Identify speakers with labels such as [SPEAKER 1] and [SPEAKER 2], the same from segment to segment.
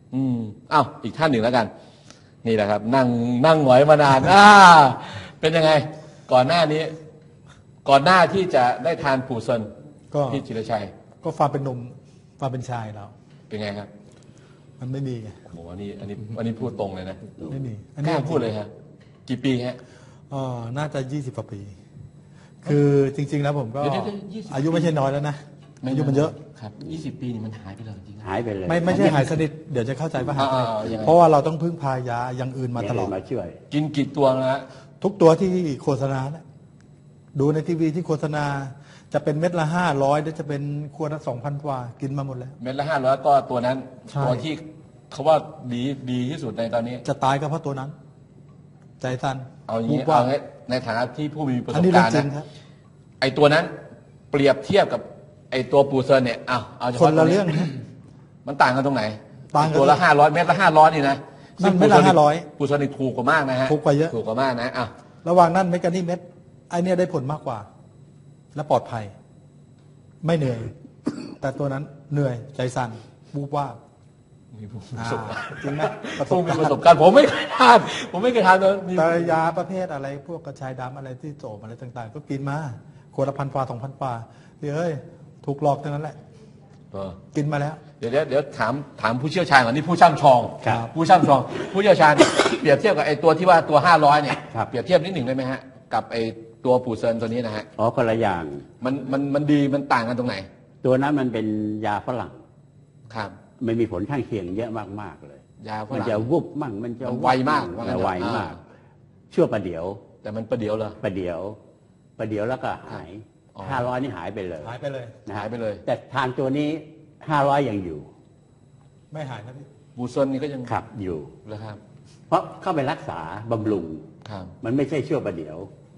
[SPEAKER 1] อ้าวอีกท่านหนึ่งแล้วกันนี่แหละครับนั่งหงอยมานานเป็นยังไงก่อนหน้านี้ก่อนหน้าที่จะได้ทานปูเซินพี่จิรชัย
[SPEAKER 2] ก็ความเป็นหนุ่มความเป็นชายเรา
[SPEAKER 1] เป็นไงครับ
[SPEAKER 2] มันไม่มีไง
[SPEAKER 1] โอ้โหอันนี้พูดตรงเลยนะ
[SPEAKER 2] ไม่มี
[SPEAKER 1] กล้าพูดเลยฮะกี่ปีฮะ
[SPEAKER 2] น่าจะ20 กว่าปีคือจริงๆแล้วผมก็อายุไม่ใช่น้อยแล้วนะอายุมันเยอะ
[SPEAKER 1] ครับ20 ปีนี่มันหายไปเลยจริง
[SPEAKER 3] หายไปเลย
[SPEAKER 2] ไม่ใช่หายสนิทเดี๋ยวจะเข้าใจว่าหายเพราะว่าเราต้องพึ่งพายาอย่างอื่นมาตลอด
[SPEAKER 3] มาช่วย
[SPEAKER 1] กินกี่ตัวนะฮะ
[SPEAKER 2] ทุกตัวที่โฆษณาดูในทีวีที่โฆษณาจะเป็นเม็ดละ500หรือจะเป็นขวดละ2,000 กว่ากินมาหมดแล้ว
[SPEAKER 1] เม็ดละ500ก็ตัวนั้นตัวที่เขาว่าดีที่สุดในตอนนี้
[SPEAKER 2] จะตายก็เพราะตัวนั้นใจตัน
[SPEAKER 1] เอาอย่างนี้เอาในฐานะที่ผู้มีประสบการณ์นะไอตัวนั้นเปรียบเทียบกับไอตัวปูเซินเนี่ยเอาเฉพาะ
[SPEAKER 2] คนละเรื่อง
[SPEAKER 1] มันต่างกันตรงไหนตัวละ500เม็ดละ500นี่นะ
[SPEAKER 2] ซึ่งเม็ดละ500
[SPEAKER 1] ปูเซินนี่ถูกกว่ามากนะฮะ
[SPEAKER 2] ถูกกว่าเยอะ
[SPEAKER 1] ถูกกว่ามากนะ
[SPEAKER 2] ระหว่างนั้นเม็ดกันนี่เม็ดไอเนี่ยได้ผลมากกว่าและปลอดภัยไม่เหนื่อยแต่ตัวนั้นเหนื่อยใจสั่นบูบว่าจริงไหม
[SPEAKER 1] ประสบการณ์ผมไม่เคยทาน
[SPEAKER 2] แต่ยาประเภทอะไรพวกกระชายดำอะไรที่โจมอะไรต่างๆก็กินมาขวดละ1,000 กว่า 2,000 กว่าเฮ้ยถูกหลอกทั้งนั้นแหละกินมาแล้ว
[SPEAKER 1] เดี๋ยวถามผู้เชี่ยวชาญก่อนนี่ผู้ช่ำชองผู้เชี่ยวชาญเปรียบเทียบกับไอตัวที่ว่าตัว500เนี่ยเปรียบเทียบนิดหนึ่งได้ไหมฮะกับไอตัวปูเซินตัวนี้นะฮะ
[SPEAKER 3] คนละอย่าง
[SPEAKER 1] มันดีมันต่างกันตรงไหน
[SPEAKER 3] ตัวนั้นมันเป็นยาฝรั่ง
[SPEAKER 1] ครับ
[SPEAKER 3] ไม่มีผลข้างเคียงเยอะมากๆเลย
[SPEAKER 1] ยาฝรั่ง
[SPEAKER 3] มันจะวุบมั่งมันจะ
[SPEAKER 1] ไวมาก
[SPEAKER 3] ชั่วประเดี๋ยว
[SPEAKER 1] แต่มันประเดี๋ยวเหรอ
[SPEAKER 3] ประเดี๋ยวแล้วก็หาย500นี่หายไปเลยแต่ทานตัวนี้500ยังอยู่
[SPEAKER 2] ไม่หายนะพี่
[SPEAKER 1] ปูเซินนี่ก็ยัง
[SPEAKER 3] ขับอยู่
[SPEAKER 1] แล้วครับ
[SPEAKER 3] เพราะเข้าไปรักษาบำรุงมันไม่ใช่ชั่วประเดี๋ยว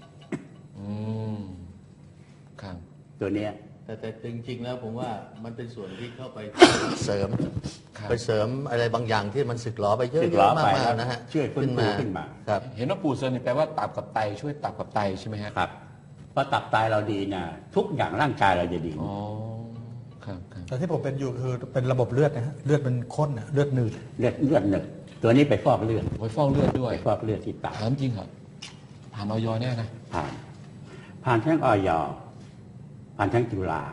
[SPEAKER 1] ครับ
[SPEAKER 3] ตัวเนี้ย
[SPEAKER 4] แต่จริงๆแล้วผมว่ามันเป็นส่วนที่เข้าไปเสริมอะไรบางอย่างที่มันสึกหรอไปเยอะๆมากๆนะฮะ
[SPEAKER 3] ช่วยฟื้นขึ้นมา
[SPEAKER 1] ครับเห็นว่าปูเซินนี่แปลว่าตับกับไตช่วยตับกับไตใช่ไหมครับ
[SPEAKER 3] เพราะตับไตเราดีนะทุกอย่างร่างกายเราจะดี
[SPEAKER 1] ครับ
[SPEAKER 2] แต่ที่ผมเป็นอยู่คือเป็นระบบเลือดนะฮะเลือดมันข้นเลือดหนืด
[SPEAKER 3] เลือดหนืดตัวนี้ไปฟอกเลือด
[SPEAKER 1] ด้วย
[SPEAKER 3] ฟอกเลือดที่ตับ
[SPEAKER 1] ถามจริงครับผ่านออยแน่นะ
[SPEAKER 3] ผ่านทั้งออยผ่านทั้งจุฬา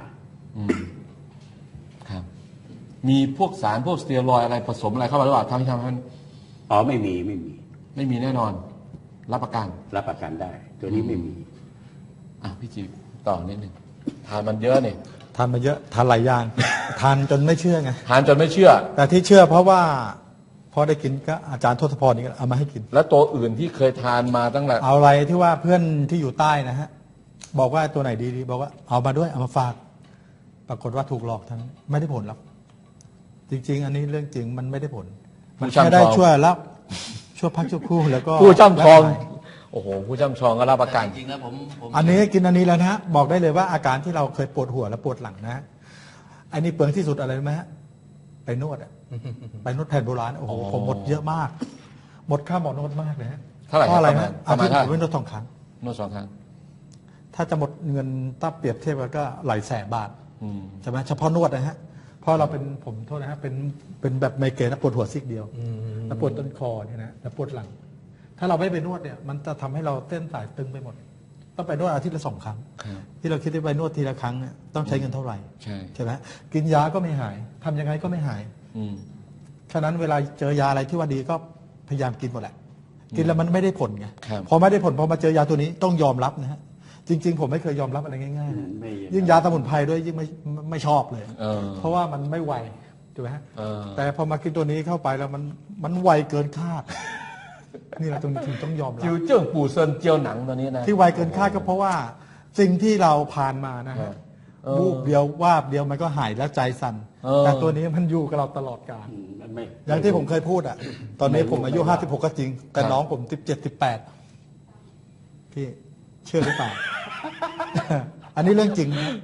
[SPEAKER 1] ครับมีพวกสารพวกสเตียรอยด์อะไรผสมอะไรเข้ามาหรือเปล่าทำให้มัน
[SPEAKER 3] ไม่
[SPEAKER 1] มีแน่นอนรับประ
[SPEAKER 3] กันได้ตัวนี้ไม่มี
[SPEAKER 1] พี่จีต่อนิดนึงทานมันเยอะนี่
[SPEAKER 2] ทานมาเยอะทานหลายอย่างทานจนไม่เชื่อไง
[SPEAKER 1] ทานจนไม่เชื่อ
[SPEAKER 2] แต่ที่เชื่อเพราะว่าพอได้กินก็อาจารย์ทศพรนี่เอามาให้กิน
[SPEAKER 1] แล้วตัวอื่นที่เคยทานมาตั้งแต่
[SPEAKER 2] เอาอะไรที่ว่าเพื่อนที่อยู่ใต้นะฮะบอกว่าตัวไหนดีบอกว่าเอามาด้วยเอามาฝากปรากฏว่าถูกหลอกทั้งไม่ได้ผลหรอกจริงๆอันนี้เรื่องจริงมันไม่ได้ผลมันแค่ได้ช่วยรับช่วยพักชั่วครู่แล้วก็
[SPEAKER 1] ผู้ช่ำชองโอ้โหผู้ช่ำชองก็รับประกัน
[SPEAKER 4] จริงนะผม
[SPEAKER 2] อันนี้กินอันนี้แล้วนะฮะบอกได้เลยว่าอาการที่เราเคยปวดหัวและปวดหลังนะอันนี้เปลืองที่สุดอะไรไหมฮะไปนวดไปนวดแผนโบราณโอ้โหผมหมดเยอะมากหมดค่าหมอนวดมากเลยฮะ
[SPEAKER 1] เท่าไหร่
[SPEAKER 2] อะไรนะอาทิตย์ผมนวด2 ครั้ง
[SPEAKER 1] นวด2 ครั้ง
[SPEAKER 2] ถ้าจะหมดเงินถ้าเปรียบเทียบก็หลายแสนบาทใช่ไหมเฉพาะนวดนะฮะเพราะเราเป็นผมโทษนะฮะเป็นแบบไมเกรนปวดหัวซีกเดียวแล้วปวดต้นคอเนี่ยนะแล้วปวดหลังถ้าเราไม่ไปนวดเนี่ยมันจะทำให้เราเส้นสายตึงไปหมดต้องไปนวดอาทิตย์ละ2 ครั้งที่เราคิดว่าไปนวดทีละครั้งเนี่ยต้องใช้เงินเท่าไหร่ใช่ไหมกินยาก็ไม่หายทำยังไงก็ไม่หายฉะนั้นเวลาเจอยาอะไรที่ว่าดีก็พยายามกินหมดแหละกินแล้วมันไม่ได้ผลไงพอไม่ได้ผลพอมาเจอยาตัวนี้ต้องยอมรับนะฮะจริงๆผมไม่เคยยอมรับอะไรง่ายๆยิ่งยาสมุนไพรด้วยยิ่งไม่ชอบเลยเพราะว่ามันไม่ไวถูกไหมฮะแต่พอมากินตัวนี้เข้าไปแล้วมันไวเกินคาดนี่แหละตรงนี้ถึงต้องยอมรับ
[SPEAKER 1] จิวเจิ้งปูเซินเจียวหนังตัวนี้นะ
[SPEAKER 2] ที่ไวเกินคาดก็เพราะว่าสิ่งที่เราผ่านมานะฮะวูบเดียววาบเดียวมันก็หายแล้วใจสั่นแต่ตัวนี้มันอยู่กับเราตลอดกาลอย่างที่ผมเคยพูดอ่ะตอนนี้ผมอายุ56ก็จริงแต่น้องผม17 18พี่เชื่อหรือเปล่า อันนี้เรื่องจริงนะ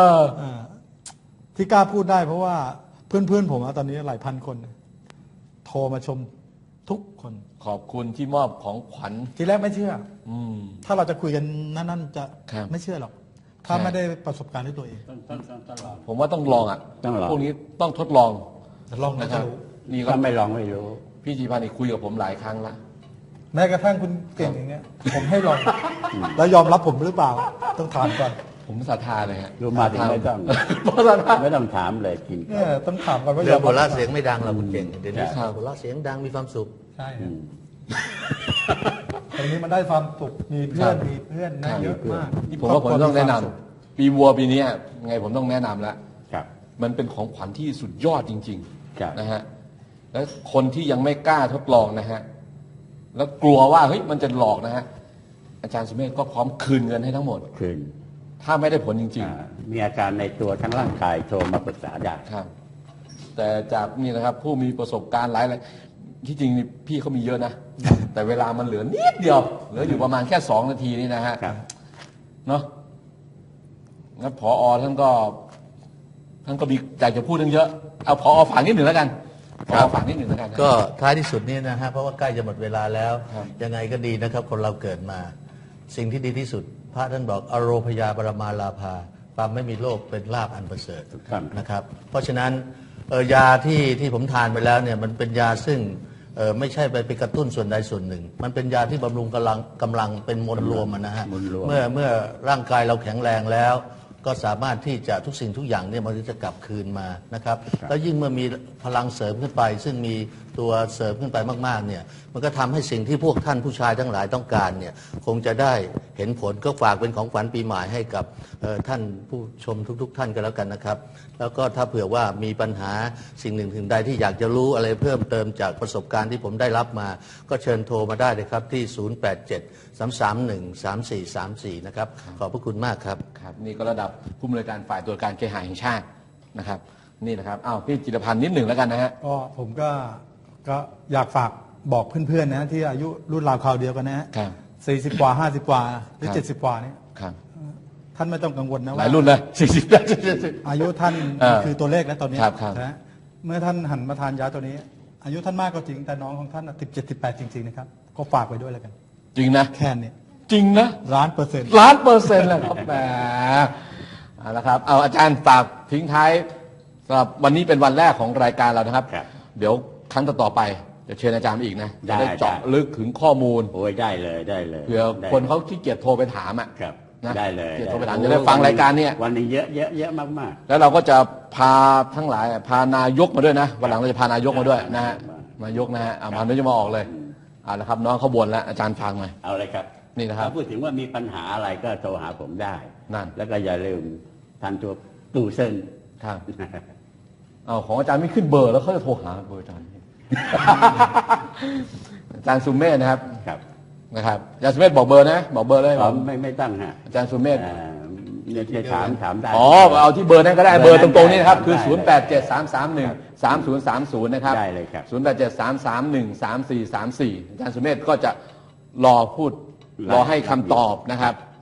[SPEAKER 2] ที่กล้าพูดได้เพราะว่าเพื่อนๆผมตอนนี้หลายพันคนโทรมาชมทุกคน
[SPEAKER 1] ขอบคุณที่มอบของขวัญ
[SPEAKER 2] ทีแรกไม่เชื่อถ้าเราจะคุยกันนั่นจะไม่เชื่อหรอกถ้าไม่ได้ประสบการณ์ด้วยตัวเอง
[SPEAKER 1] ผมว่าต้องลองพวกนี้ต้องทดลอง
[SPEAKER 2] นะครับ
[SPEAKER 1] นี่ก็
[SPEAKER 3] ถ้าไม่ลองไม่รู้
[SPEAKER 1] พี่จีพันธ์นี่คุยกับผมหลายครั้งละ
[SPEAKER 2] แม้กระทั่งคุณเก่งอย่างเงี้ย ผมให้ลอง แล้วยอมรับผมหรือเปล่า ต้องถามก่อน
[SPEAKER 1] ผมศรัทธาเลยฮะ
[SPEAKER 3] รู้มาถึงไม่ต้อง
[SPEAKER 1] เพราะศรัทธา
[SPEAKER 3] ไม่ต้องถามเลยกิน
[SPEAKER 2] เนี่ยต้องถามก่อนว่าย
[SPEAKER 4] เรื่
[SPEAKER 2] อ
[SPEAKER 4] อง
[SPEAKER 2] ม
[SPEAKER 4] หัว
[SPEAKER 2] รั
[SPEAKER 4] เราะ
[SPEAKER 2] บ
[SPEAKER 4] เสียงไม่ดังเราคุณเก่งเดี๋ยวนี้
[SPEAKER 1] ครับ
[SPEAKER 4] หัวเราะเสียงดังมีความสุข
[SPEAKER 2] ใช่ครับตรงนี้มันได้ความสุขมีเพื่อนมีเพื่อนนะเยอะมาก
[SPEAKER 1] นี่ผมว่าผมต้องแนะนำปีวัวปีนี้ไงผมต้องแนะนำแล้ว
[SPEAKER 3] ครับ
[SPEAKER 1] มันเป็นของขวัญที่สุดยอดจริง
[SPEAKER 3] ครับ
[SPEAKER 1] ๆนะฮะแล้วคนที่ยังไม่กล้าทดลองนะฮะแล้วกลัวว่าเฮ้ยมันจะหลอกนะฮะอาจารย์สุเมธก็พร้อมคืนเงินให้ทั้งหมด
[SPEAKER 3] คืน
[SPEAKER 1] ถ้าไม่ได้ผลจริง
[SPEAKER 3] มีอาการในตัวทั้งร่างกายโทรมาปรึกษาได้
[SPEAKER 1] ๆครับ แต่จากนี่นะครับผู้มีประสบการณ์หลายที่จริงนี่พี่เขามีเยอะนะ แต่เวลามันเหลือนิดเดียวเหลืออยู่ประมาณแค่2 นาทีนี่นะฮะ
[SPEAKER 3] ครับ
[SPEAKER 1] เนาะงั้นผอท่านก็มีอยากจะพูดเรื่องเยอะเอาผอฝากนิดหนึ่งแล้วกันผอฝากนิดหนึ่งแล้วกันนะ
[SPEAKER 4] ก็ท้ายที่สุดนี้นะฮะเพราะว่าใกล้จะหมดเวลาแล้ว
[SPEAKER 1] ครับ
[SPEAKER 4] ยังไงก็ดีนะครับคนเราเกิดมา สิ่งที่ดีที่สุด พระท่านบอกอโรพยาบรมาลาภาความไม่มีโรคเป็นลาภอันประเสริฐ
[SPEAKER 3] ถูกต้อง
[SPEAKER 4] นะครับ เพราะฉะนั้นยาที่ผมทานไปแล้วเนี่ยมันเป็นยาซึ่งไม่ใช่ไปกระตุ้นส่วนใดส่วนหนึ่ง มันเป็นยาที่บำรุงกำลังเป็นมวลรวมนะฮะ
[SPEAKER 3] มวลรวม
[SPEAKER 4] เมื่อร่างกายเราแข็งแรงแล้ว ก็สามารถที่จะทุกสิ่งทุกอย่างเนี่ยมันจะกลับคืนมานะครับแล้วยิ่งเมื่อมีพลังเสริมขึ้นไป ซึ่งมีตัวเสริมขึ้นไปมากๆเนี่ยมันก็ทำให้สิ่งที่พวกท่านผู้ชายทั้งหลายต้องการเนี่ยคงจะได้เห็นผลก็ฝากเป็นของขวัญปีใหม่ให้กับท่านผู้ชมทุกๆท่านกันแล้วกันนะครับ แล้วก็ถ้าเผื่อว่ามีปัญหาสิ่งหนึ่งถึงใดที่อยากจะรู้อะไรเพิ่มเติมจากประสบการณ์ที่ผมได้รับมา ก็เชิญโทรมาได้เลยครับที่ 087-331-3434 นะครับขอบพระคุณมากครับ
[SPEAKER 1] ครับนี่ก็ระดับผู้อำนวยการฝ่ายตรวจการเคหะแห่งชาตินะครับ นี่นะครับอ้าวพี่จิรพันธ์นิดหนึ่งแล้วกันนะฮะ
[SPEAKER 2] ก็ผมก็อยากฝากบอกเพื่อนๆนะที่อายุรุ่นราวคราวเดียวกันนะฮะ
[SPEAKER 1] ครับ
[SPEAKER 2] 40 กว่า 50 กว่าหรือ
[SPEAKER 1] ครับ
[SPEAKER 2] 70 กว่าเนี่ย
[SPEAKER 1] ครับ
[SPEAKER 2] ท่านไม่ต้องกังวลนะ
[SPEAKER 1] ห
[SPEAKER 2] ว่า
[SPEAKER 1] ลายรุ่นเลย40แล้ว
[SPEAKER 2] อายุท่าน คือตัวเลขแล้วตอนนี้
[SPEAKER 1] ครับ
[SPEAKER 2] นะเมื่อท่านหันมาทานยาตัวนี้ อายุท่านมากก็จริงแต่น้องของท่าน17 18จริงๆนะครับก็ฝากไว้ด้วยแล้วกัน
[SPEAKER 1] จริงนะ
[SPEAKER 2] แค่นี้
[SPEAKER 1] จริงนะ
[SPEAKER 2] 1,000,000%
[SPEAKER 1] 1,000,000%เลยครับแหมเอาละครับเอาอาจารย์ฝากทิ้งท้ายสำหรับวันนี้เป็นวันแรกของรายการเรานะครับ
[SPEAKER 3] ครับ
[SPEAKER 1] เดี๋ยวครั้งต่อๆไปจะเชิญอาจารย์มาอีกนะ
[SPEAKER 3] ได้
[SPEAKER 1] จะได้เจาะ
[SPEAKER 3] ได้
[SPEAKER 1] ลึกถึงข้อมูล
[SPEAKER 3] โอ้ยได้เลยได้เลย
[SPEAKER 1] เผื่อ
[SPEAKER 3] ได้
[SPEAKER 1] คนเขาขี้เกียจโทรไปถามอ่ะ
[SPEAKER 3] ครับ
[SPEAKER 1] นะ
[SPEAKER 3] ได้เลย
[SPEAKER 1] เกียรติโทรไปถามจะได้ฟังรายการเนี่ย
[SPEAKER 3] วันหนึงเยอะเยอะเยอะมาก
[SPEAKER 1] แล้วเราก็จะพาทั้งหลายพานายกมาด้วยนะวันหลังเราจะพานายกมาด้วยนะฮะนายกนะฮะมานายกมาออกเลยเอาละครับน้องเขาบ่นแล้วอาจารย์ฟังหน่อย
[SPEAKER 3] ๆ เอาเลยครับ
[SPEAKER 1] นี่นะครับ
[SPEAKER 3] ถ้าพูดถึงว่ามีปัญหาอะไรก็โทรหาผมได้
[SPEAKER 1] นั่น
[SPEAKER 3] แล้วก็อย่าลืมทันตัวตู้เส้น
[SPEAKER 1] ครับเอาของอาจารย์ไม่ขึ้นเบอร์แล้วเขาจะโทรหาเบอร์อาจารย์ อาจารย์สุเมธนะครับ
[SPEAKER 3] ครับ
[SPEAKER 1] นะครับอาจารย์สุเมธบอกเบอร์นะบอกเบอร์เลย
[SPEAKER 3] ผมไม่ตั้งฮะ
[SPEAKER 1] อาจารย์สุเมธ
[SPEAKER 3] เนี่ยถามได้
[SPEAKER 1] อ๋อเอาที่เบอร์นั้นก็ได้เบอร์ตรงๆนี้นะครับคือ 0873313030 นะครับ
[SPEAKER 3] ได้เลยครับ
[SPEAKER 1] 0873313434 อาจารย์สุเมธก็จะรอพูดรอให้คำตอบนะครับ